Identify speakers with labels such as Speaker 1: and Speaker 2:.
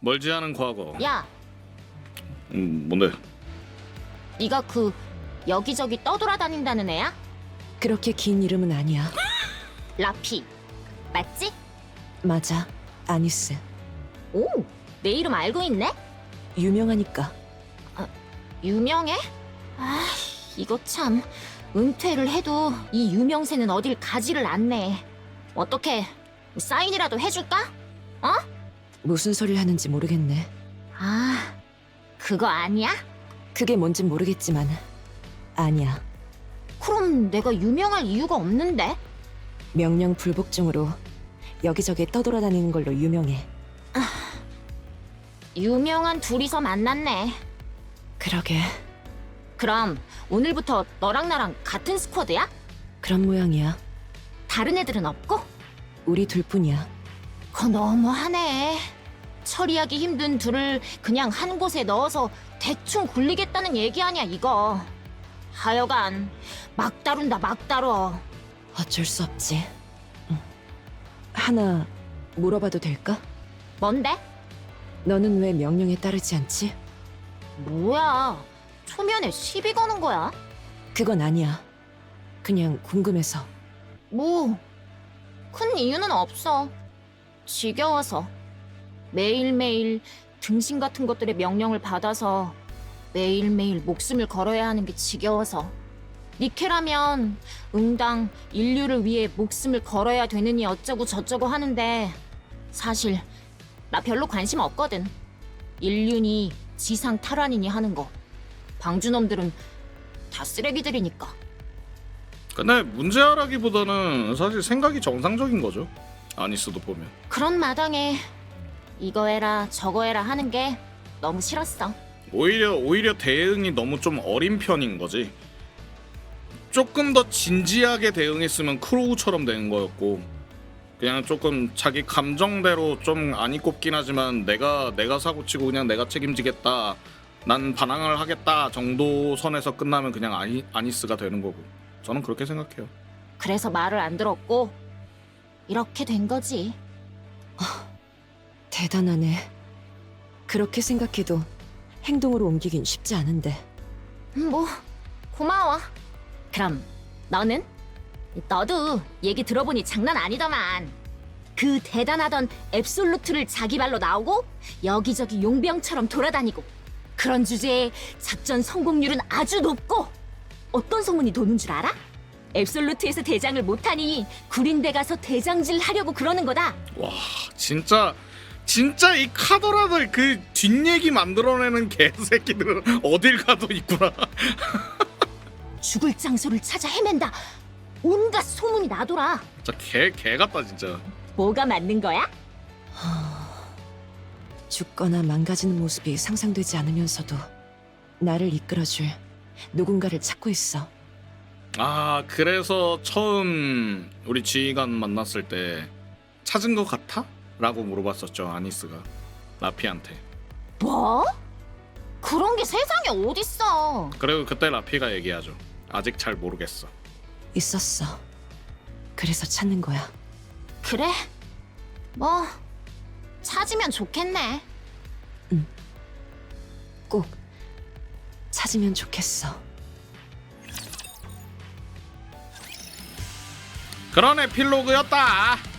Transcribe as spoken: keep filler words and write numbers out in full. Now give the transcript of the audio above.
Speaker 1: 멀지 않은 과거.
Speaker 2: 야,
Speaker 1: 음, 뭔데?
Speaker 2: 네가 그 여기저기 떠돌아다닌다는 애야?
Speaker 3: 그렇게 긴 이름은 아니야.
Speaker 2: 라피, 맞지?
Speaker 3: 맞아, 아니스.
Speaker 2: 오, 내 이름 알고 있네?
Speaker 3: 유명하니까.
Speaker 2: 유명해? 아, 이거 참 은퇴를 해도 이 유명세는 어딜 가지를 않네. 어떻게 사인이라도 해줄까? 어?
Speaker 3: 무슨 소리를 하는지 모르겠네.
Speaker 2: 아, 그거 아니야?
Speaker 3: 그게 뭔진 모르겠지만 아니야.
Speaker 2: 그럼 내가 유명할 이유가 없는데?
Speaker 3: 명령 불복종으로 여기저기 떠돌아다니는 걸로 유명해.
Speaker 2: 유명한 둘이서 만났네.
Speaker 3: 그러게,
Speaker 2: 그럼 오늘부터 너랑 나랑 같은 스쿼드야?
Speaker 3: 그런 모양이야.
Speaker 2: 다른 애들은 없고?
Speaker 3: 우리 둘뿐이야.
Speaker 2: 그거 너무하네. 처리하기 힘든 둘을 그냥 한 곳에 넣어서 대충 굴리겠다는 얘기 아니야, 이거. 하여간 막 다룬다, 막 다뤄.
Speaker 3: 어쩔 수 없지. 응. 하나 물어봐도 될까?
Speaker 2: 뭔데?
Speaker 3: 너는 왜 명령에 따르지 않지?
Speaker 2: 뭐야, 초면에 시비 거는 거야?
Speaker 3: 그건 아니야. 그냥 궁금해서.
Speaker 2: 뭐, 큰 이유는 없어. 지겨워서. 매일매일 등신 같은 것들의 명령을 받아서 매일매일 목숨을 걸어야 하는 게 지겨워서. 니케라면 응당 인류를 위해 목숨을 걸어야 되느니 어쩌고 저쩌고 하는데 사실 나 별로 관심 없거든. 인류니 지상 탈환이니 하는 거. 방주놈들은 다 쓰레기들이니까.
Speaker 1: 근데 문제라기보다는 사실 생각이 정상적인 거죠. 아니스도 보면.
Speaker 2: 그런 마당에 이거 해라 저거 해라 하는 게 너무 싫었어.
Speaker 1: 오히려 오히려 대응이 너무 좀 어린 편인 거지. 조금 더 진지하게 대응했으면 크로우처럼 되는 거였고, 그냥 조금 자기 감정대로 좀 안이 꼽긴 하지만 내가 내가 사고치고 그냥 내가 책임지겠다, 난 반항을 하겠다 정도 선에서 끝나면 그냥 아니, 아니스가 되는 거고, 저는 그렇게 생각해요.
Speaker 2: 그래서 말을 안 들었고 이렇게 된 거지.
Speaker 3: 대단하네. 그렇게 생각해도 행동으로 옮기긴 쉽지 않은데.
Speaker 2: 음, 뭐 고마워. 그럼 너는? 너도 얘기 들어보니 장난 아니더만. 그 대단하던 앱솔루트를 자기 발로 나오고 여기저기 용병처럼 돌아다니고 그런 주제에 작전 성공률은 아주 높고 어떤 소문이 도는 줄 알아? 앱솔루트에서 대장을 못하니 구린데 가서 대장질 하려고 그러는 거다.
Speaker 1: 와, 진짜 진짜 이 카더라들 그 뒷얘기 만들어내는 개새끼들은 어딜 가도 있구나.
Speaker 2: 죽을 장소를 찾아 헤맨다. 온갖 소문이 나돌아.
Speaker 1: 진짜 개, 개 같다 진짜.
Speaker 2: 뭐가 맞는 거야?
Speaker 3: 죽거나 망가지는 모습이 상상되지 않으면서도 나를 이끌어줄 누군가를 찾고 있어.
Speaker 1: 아, 그래서 처음 우리 지휘관 만났을 때 찾은 것 같아? 라고 물어봤었죠, 아니스가 라피한테.
Speaker 2: 뭐? 그런 게 세상에 어딨어.
Speaker 1: 그리고 그때 라피가 얘기하죠. 아직 잘 모르겠어.
Speaker 3: 있었어. 그래서 찾는 거야.
Speaker 2: 그래? 뭐 찾으면 좋겠네.
Speaker 3: 꼭 찾으면 좋겠어.
Speaker 1: 그런 에필로그였다.